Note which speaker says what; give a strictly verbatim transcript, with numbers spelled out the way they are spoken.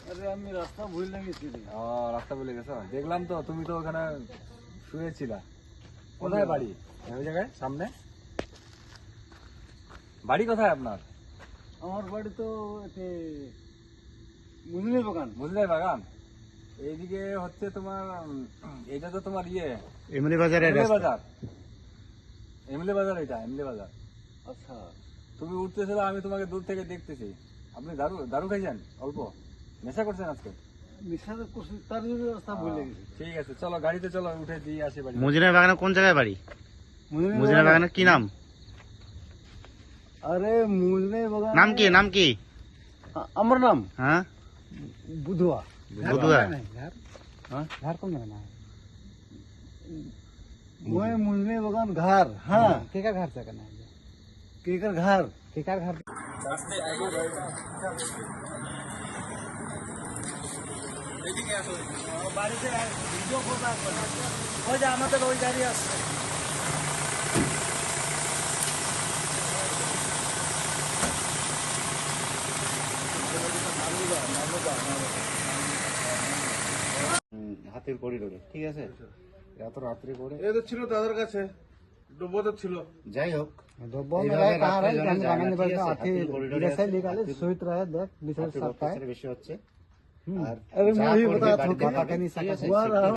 Speaker 1: আরে আমি রাস্তা ভুলে গেছি রে।
Speaker 2: ও রাস্তা ভুলে গেছো, দেখলাম তো তুমি তো ওখানে শুয়েছিলা। কোথায় বাড়ি? ওই জায়গায় সামনে বাড়ি কোথায় আপনার?
Speaker 1: আমার বাড়ি তো এতে মুজলি বাগান।
Speaker 2: বুঝলে বাগান এইদিকে হচ্ছে তোমার উম, এটা তো তোমার ইয়ে
Speaker 3: এমনি বাজারে
Speaker 2: এমলে বাজার। এমলে বাজার, এটা এমলে বাজার।
Speaker 1: আচ্ছা,
Speaker 2: তুমি উঠতেছিল, আমি তোমাকে দূর থেকে দেখতেছি। আপনি দারু দারু খাইছেন? অল্প নেশা করছেন আজকে?
Speaker 1: নিশাতে করছি তার জন্য রাস্তা ভুলে গেছি।
Speaker 2: ঠিক আছে, চলো গাড়িতে চলো, উঠে দিয়ে আসি বাড়ি।
Speaker 3: মুজিনা বাগানে কোন জায়গায় বাড়ি?
Speaker 1: মুজলি
Speaker 3: মুজিনা বাগানে কি নাম?
Speaker 1: আরে মুজলি বাগান
Speaker 3: নাম কি নাম কি?
Speaker 1: আ- আমার নাম
Speaker 3: হ্যাঁ
Speaker 1: বুধুয়া।
Speaker 3: বুধুয়া।
Speaker 1: घर कौन है ना? वो मुझे बगान घर। हाँ, केकर घर से करना है? केकर घर, केकर घर। বাড়িতে ভিডিও করতে আসবে না। ওই যে আমাদের ওই গাড়ি আসছে।
Speaker 3: হাতির করিডোরে, ঠিক আছে? এত রাত্রে করে
Speaker 4: এ তো ছিল দাদার কাছে, ডুবো তো ছিল।
Speaker 3: যাই হোক,
Speaker 1: डब्बा में रहे कहाँ रहे हम जाने पर हाथी जैसे निकाले सोच रहा है देख बिछड़ सकता है।
Speaker 3: বেশি হচ্ছে। আর
Speaker 1: अरे
Speaker 3: যা
Speaker 1: मैं भी
Speaker 3: করবে
Speaker 1: बता
Speaker 3: বাড়িতে
Speaker 1: बता के नहीं
Speaker 3: ঠিক আছে?
Speaker 1: सकता।